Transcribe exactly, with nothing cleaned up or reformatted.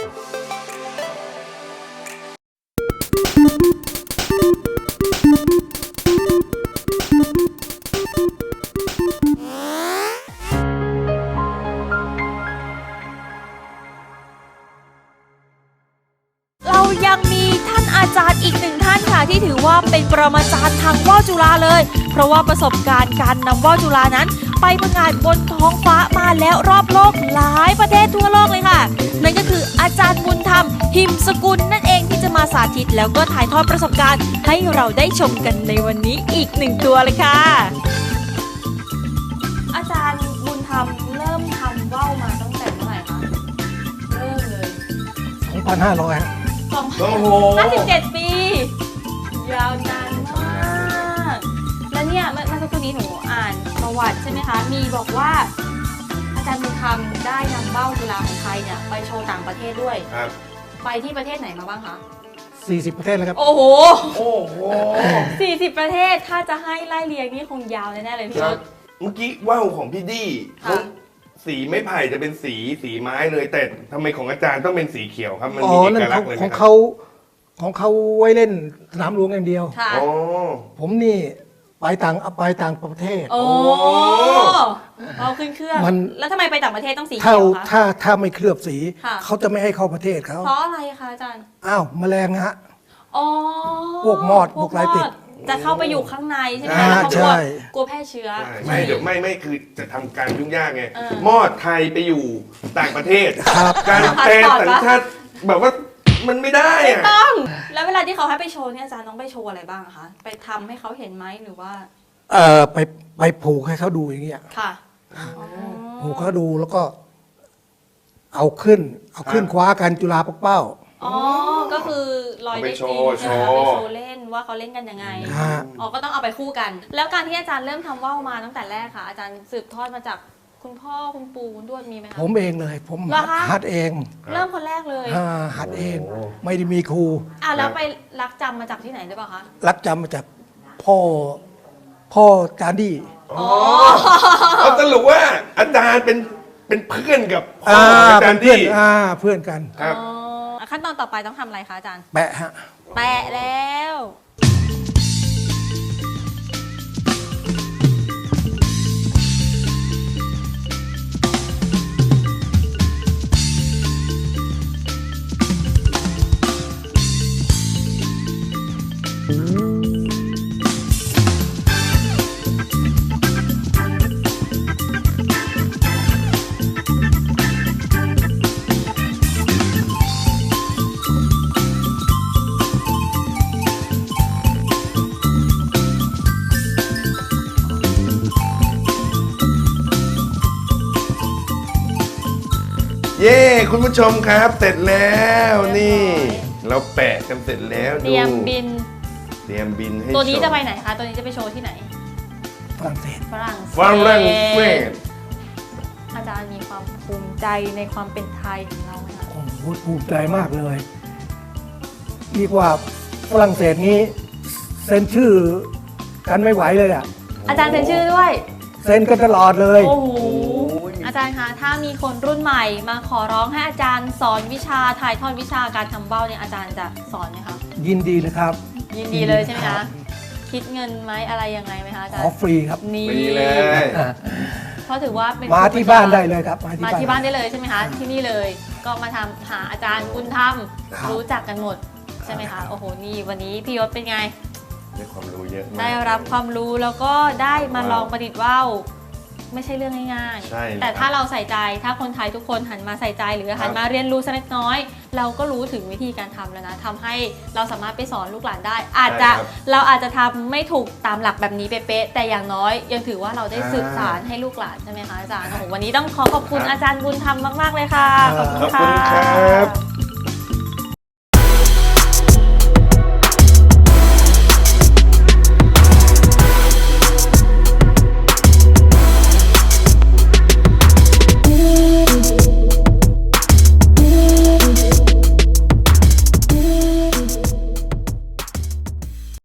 เรายังมีท่านอาจารย์อีกหนึ่งท่านค่ะที่ถือว่าเป็นปรมาจารย์ทางว่าวจุฬาเลยเพราะว่าประสบการณ์การนำว่าวจุฬานั้นไปประกาศบนท้องฟ้ามาแล้วรอบโลกหลายประเทศทั่วโลกเลยค่ะนั่นก็คืออาจารย์บุญธรรมหิมสกุลนั่นเองที่จะมาสาธิตแล้วก็ถ่ายทอดประสบการณ์ให้เราได้ชมกันในวันนี้อีกหนึ่งตัวเลยค่ะอาจารย์บุญธรรมเริ่มทำว่าวมาตั้งแต่เมื่อไหร่คะเริ่มเลยสองพันห้าร้อยสองพันห้าสิบเจ็ดปียาวนานมากแล้วเนี่ยเมื่อเมื่อสักครู่นี้หนูอ่านประวัติใช่ไหมคะมีบอกว่าอาจารย์บุญธรรมได้นำว่าวจุฬาของไทยเนี่ยไปโชว์ต่างประเทศด้วยครับไปที่ประเทศไหนมาบ้างคะสี่สิบประเทศแล้วครับโอ้โหโอ้โหสี่สิบประเทศถ้าจะให้ไล่เรียงนี่คงยาวแน่ๆเลยพี่เมื่อกี้ว่าวของพี่ดี้สีไม้ไผ่จะเป็นสีสีไม้เลยแต่ทำไมของอาจารย์ต้องเป็นสีเขียวครับมันมีเอกลักษณ์เลยของเขาของเขาไว้เล่นสนามหลวงอย่างเดียวผมนี่ไปต่างไปต่างประเทศโอ้เอาขึ้นเครื่องแล้วทำไมไปต่างประเทศต้องสีเขียวคะถ้าถ้าไม่เคลือบสีเขาจะไม่ให้เข้าประเทศเขาเพราะอะไรคะอาจารย์อ้าวแมลงฮะอ๋อพวกมอดพวกไรติดจะเข้าไปอยู่ข้างในใช่ไหมแล้วเขากลัวกลัวแพร่เชื้อไม่เดี๋ยวไม่ไม่คือจะทำการยุ่งยากไงมอดไทยไปอยู่ต่างประเทศการแปลสัญชาติแบบว่ามันไม่ได้อะต้องแล้วเวลาที่เขาให้ไปโชว์เนี่ยอาจารย์ต้องไปโชว์อะไรบ้างคะไปทำให้เขาเห็นไหมหรือว่าเออไปไปผูกให้เขาดูอย่างเงี้ยค่ะผูกเขาดูแล้วก็เอาขึ้นเอาขึ้นคว้ากันจุฬาปักเป้าอ๋อก็คือลอยได้จริงใช่ไหมไปโชว์เล่นว่าเขาเล่นกันยังไงอ๋อก็ต้องเอาไปคู่กันแล้วการที่อาจารย์เริ่มทำว่าวมาตั้งแต่แรกค่ะอาจารย์สืบทอดมาจากคุณพ่อคุณปู่คุณทวดมีไหมคะผมเองเลยผมหัดเองเริ่มคนแรกเลยหัดเองไม่ได้มีครูอ่ะแล้วไปรักจำมาจากที่ไหนหรือเปล่าคะรักจำมาจากพ่อพ่อจานดี้อ๋อเอาสรุปว่าอาจารย์เป็นเป็นเพื่อนกับพ่ออาจารย์ดี้อ่าเพื่อนกันครับขั้นตอนต่อไปต้องทำอะไรคะอาจารย์แปะฮะแปะแล้วเย้คุณผู้ชมครับเสร็จแล้วนี่เราแปะกันเสร็จแล้วเตรียมบินเตรียมบินให้ตัวนี้จะไปไหนคะตัวนี้จะไปโชว์ที่ไหนฝรั่งเศสฝรั่งเศสฝรั่งเศสอาจารย์มีความภูมิใจในความเป็นไทยของเราไหมคะโอ้โหภูมิใจมากเลยดีกว่าฝรั่งเศสนี้เซ็นชื่อกันไม่ไหวเลยอ่ะอาจารย์เซ็นชื่อด้วยเซ็นกันตลอดเลยโอ้โหอาจารย์คะถ้ามีคนรุ่นใหม่มาขอร้องให้อาจารย์สอนวิชาถ่ายทอดวิชาการทำว่าวเนี่ยอาจารย์จะสอนไหมคะยินดีเลยครับยินดีเลยใช่ไหมคะคิดเงินไหมอะไรยังไงไหมคะอาจารย์ขอฟรีครับนี่เลยเพราะถือว่าเป็นมาที่บ้านได้เลยครับมาที่บ้านได้เลยใช่ไหมคะที่นี่เลยก็มาทำหาอาจารย์บุญธรรมรู้จักกันหมดใช่ไหมคะโอ้โหนี่วันนี้พี่ยศเป็นไงได้ความรู้เยอะได้รับความรู้แล้วก็ได้มาลองประดิษฐ์ว่าวไม่ใช่เรื่องง่ายๆแต่ถ้าเราใส่ใจถ้าคนไทยทุกคนหันมาใส่ใจหรือหันมาเรียนรู้สักเล็กน้อยเราก็รู้ถึงวิธีการทำแล้วนะทำให้เราสามารถไปสอนลูกหลานได้อาจจะเราอาจจะทำไม่ถูกตามหลักแบบนี้เป๊ะๆแต่อย่างน้อยยังถือว่าเราได้สืบสานให้ลูกหลานใช่ไหมคะอาจารย์โอ้โหวันนี้ต้องขอขอบคุณอาจารย์บุญธรรมมากๆเลยค่ะขอบคุณครับ